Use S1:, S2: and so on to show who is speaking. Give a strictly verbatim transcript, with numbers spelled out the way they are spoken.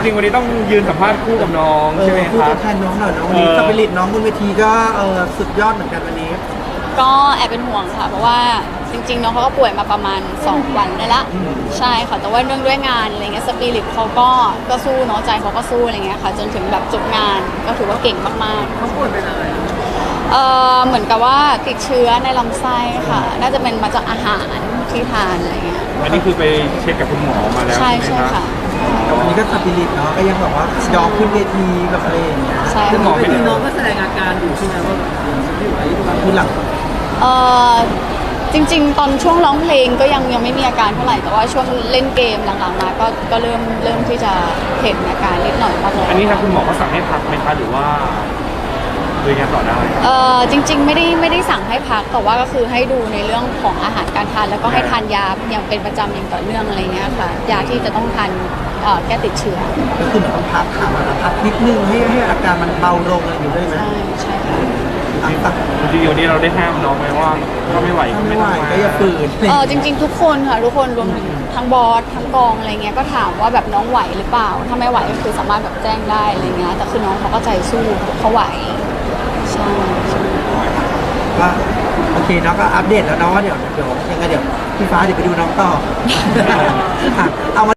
S1: ริงๆวันนี้ต้องยืนสัมภาษณ์คู่กับน้องใช่ไหมค
S2: พูด
S1: รับ
S2: แทนน้องหน่อยน้องวันนี้
S1: เออ
S2: สปิริตน้องบนเวทีก็เออสุดยอดเหมือนกันวันนี้
S3: ก็แอบเป็นห่วงค่ะเพราะว่าจริงๆน้องเขาก็ป่วยมาประมาณสองวันได้ละใช่ค่ะแต่ว่าเรื่องด้วยงานอะไรเงี้ยสปิริตเขาก็ก็สู้เนาะใจเขาก็สู้อะไรเงี้ยค่ะจนถึงแบบจบงานก็ถือว่าเก่งมากๆเขาป่วยเป็นอะไรเออเหมือนกับว่าติดเชื้อในลำไส้ค่ะน่าจะเป็นมาจากอาหารที่ทานอะไรเงี้ย
S1: อันนี้คือไปเช็คกับคุณหมอมาแล้ว
S3: ใช่
S1: ใช่ไหม
S3: ใช่
S1: ครับ
S3: ค่ะ
S2: แต่วันนี้ก็สปิริตเนาะก็ยังแบบว่ายอมขึ้นเวทีแบบอะไรอย่างเงี้ย
S3: ใช่
S1: คุณหมอ
S3: ค่ะ
S1: ไม่ได้
S4: น้องก็แสดงอาการอยู่ใช่ไหมว่าไม่ไหว
S2: คือหลัง
S3: เออจริงๆ ตอนช่วงร้องเพลงก็ยังยังไม่มีอาการเท่าไหร่แต่ว่าช่วงเล่นเกมหลังๆมาก็ก็เริ่มเริ่มที่จะเห็นอาการนิดหน่อยบ้างแล้ว
S1: อันนี้ทางคุณหมอก็สั่งให้พักไหมคะหรือว่าดูงานต่อได้
S3: เออจริงๆไม่ได้ไม่ได้สั่งให้พักแต่ว่าก็คือให้ดูในเรื่องของอาหารการทานแล้วก็ให้ทานยาอย่างเป็นประจำอย่างต่อเนื่องอะไรเงี้ยค่ะยาที่จะต้องทานเอ่อแก้ติดเชื้อ
S2: ก็คือเหมือนต้องพักขามันพักนิดนึงให้ให้อาการมันเบาลงอะไรอยู่ด้วยไหม
S3: ใช่ใช่ค่ะ
S2: อ่ะตัก
S1: จริงๆวันนี้เราได้ห้ามน้องไหมว่าก็ไม่ไหวก็
S2: ไม่
S1: ไม่
S2: ไหว
S1: ต้องมา
S2: ก็อย่าฝืน
S3: เออจริง ๆ ทุกคนค่ะทุกคนรวมถึงทั้งบอสทั้งกองอะไรเงี้ยก็ถามว่าแบบน้องไหวหรือเปล่าถ้าไม่ไหวก็คือสามารถแบบแจ้งได้อะไรเงี้ยแต่คือน้องเขาก็ใจสู้เขาไหวใช่ใช่
S2: ก็โอเคเนาะก็อัปเดตแล้วเนาะว่าเดี๋ยวเดี๋ยวยังไงเดี๋ยวพี่ฟ้าเดี๋ยวไปดูน้องต่อ ค่ะเอามา